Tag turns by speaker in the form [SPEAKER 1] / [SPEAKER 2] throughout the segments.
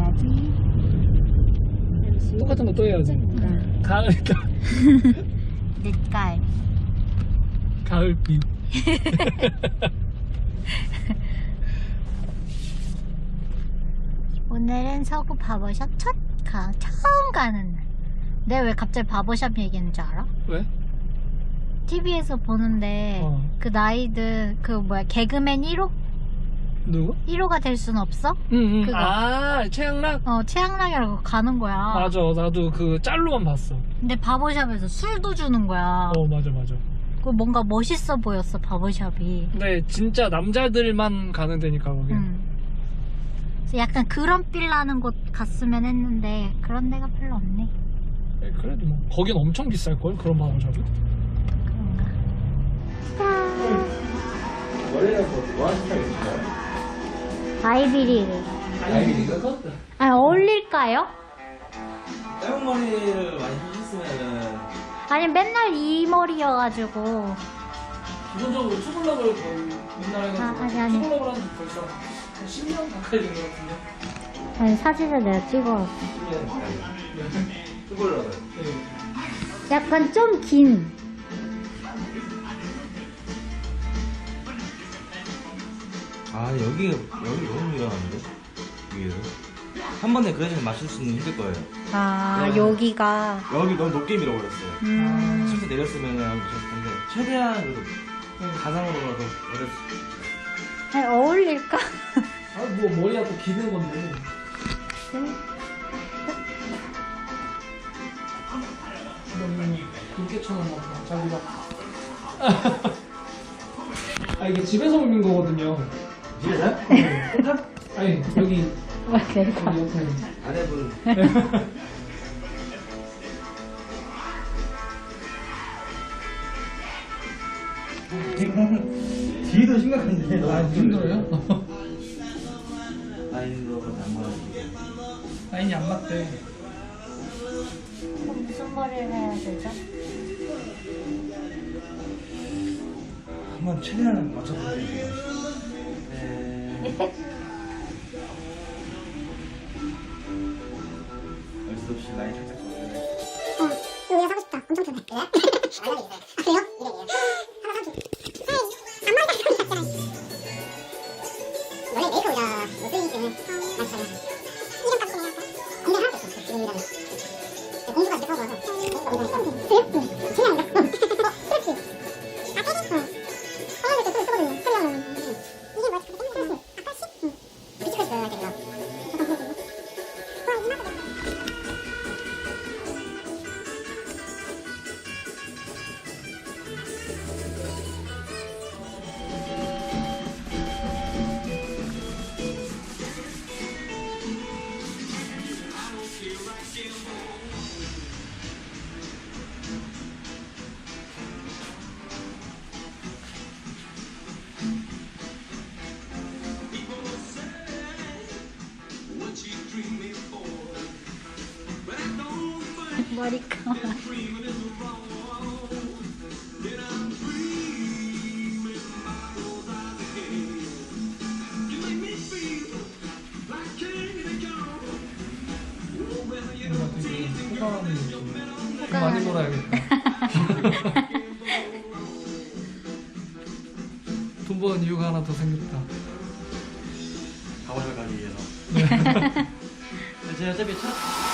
[SPEAKER 1] 해야지.
[SPEAKER 2] 똑같은 거 또 해야지. 가을이다.
[SPEAKER 1] 늦가을.
[SPEAKER 2] 가을비.
[SPEAKER 1] 오늘은 서구 바버샵 처음 가는 날. 내가 왜 갑자기 바버샵 얘기하는 줄 알아?
[SPEAKER 2] 왜?
[SPEAKER 1] TV에서 보는데 그 나이든 그 뭐야 개그맨 1호?
[SPEAKER 2] 누구?
[SPEAKER 1] 1호가 될 순 없어?
[SPEAKER 2] 응.
[SPEAKER 1] 그거.
[SPEAKER 2] 아, 최양락?
[SPEAKER 1] 최양락이라고 가는 거야.
[SPEAKER 2] 맞아. 나도 그 짤로만 봤어.
[SPEAKER 1] 근데 바버샵에서 술도 주는 거야.
[SPEAKER 2] 맞아.
[SPEAKER 1] 그 뭔가 멋있어 보였어 바버샵이.
[SPEAKER 2] 근데 진짜 남자들만 가는 데니까 거기.
[SPEAKER 1] 그래서 약간 그런 빌 나는 곳 갔으면 했는데 그런 데가 별로 없네.
[SPEAKER 2] 그래도 뭐 거긴 엄청 비쌀걸? 그런 바버샵이?
[SPEAKER 1] 그런가?
[SPEAKER 3] 원래는 뭐 하는 스타일이신가요?
[SPEAKER 1] 아이비리그.
[SPEAKER 3] 아이비리그?
[SPEAKER 1] 아 어울릴까요?
[SPEAKER 3] 짧은 머리를 많이 하셨으면은
[SPEAKER 1] 아니 맨날 이 머리여가지고.
[SPEAKER 2] 기본적으로 투블럭을 거의 맨날 해가지고
[SPEAKER 1] 아니.
[SPEAKER 2] 투블럭을 하는 지 벌써 한 10년 가까이 된 것 같은데.
[SPEAKER 1] 아니 사진을 내가 찍어.
[SPEAKER 3] 10년 가까이 투블럭을
[SPEAKER 1] 약간 좀 긴.
[SPEAKER 3] 아 여기 너무 유명한데? 위에서 한 번에 그래서 맞출 수는 힘들 거예요.
[SPEAKER 1] 여기가.
[SPEAKER 3] 여기 너무 높게 밀어버렸어요. 실제 내렸으면은 안 맞췄을 텐데 최대한 그래도 가상으로라도 어렸을
[SPEAKER 1] 아니 어울릴까?
[SPEAKER 2] 뭐 머리가 또 기는 건데. 너무 굵게 쳐놨나 보다. 자기가. 이게 집에서 올린 거거든요.
[SPEAKER 3] 집에서요?
[SPEAKER 2] 아니 여기
[SPEAKER 1] 내가.
[SPEAKER 2] 옆에.
[SPEAKER 3] 아내분 뒤도 심각한데
[SPEAKER 2] 힘들어요?
[SPEAKER 3] 라인으로 안 맞아지고
[SPEAKER 2] 라인이 안 맞대.
[SPEAKER 1] 그럼 무슨 머리를 해야 되죠?
[SPEAKER 3] 한번 최대한 맞춰보세요. 어쩔 수 없이 라인 살짝
[SPEAKER 4] 여기가 사고 싶다. 엄청 편해. 그래? 아, 그래요? 이래요. 하나 사줘. 앞머리가 그런 거 같잖아. 원래 메이크업이라 못쓰기 때문에 많이 사요. 이름값이 그냥 공개 하나도 없어. 지금이라면. 공주가 이렇게 사고 와서 공주가 그래요? 응. 그냥 이거. 그렇지. 아, 빼기? 응. 빼야 될때또 쓰거든요. 쓰려면. 이게 뭐야? 그렇게 땡기는 거지? 아, 80? 응. 비치크스 넣어야 되나? 와, 이만하다.
[SPEAKER 1] 머리카락.
[SPEAKER 2] 많이 놀아야겠다. 돈 버는 이유가 하나 더 생겼다.
[SPEAKER 3] 가보실 가기 위해서. 제가 어차피 첫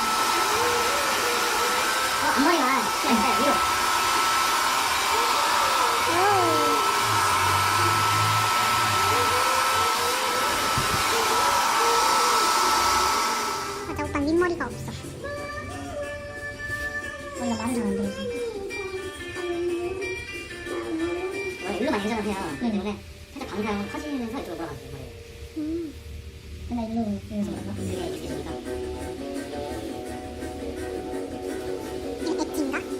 [SPEAKER 4] 앞머리가 그냥 있어요. 위로. 맞아, 오빠 밑머리가 없어. 머리가 말은 잘안 되지.
[SPEAKER 5] 원래 일로 많이 회전을 해요. 그렇기 때문에 살짝 방향 커지면서 이쪽으로 돌아가죠. 머리를.
[SPEAKER 4] 맨날 일로 이래서 그런가?
[SPEAKER 5] 그게 이렇게 됩니다.
[SPEAKER 4] 이게 엣지인가?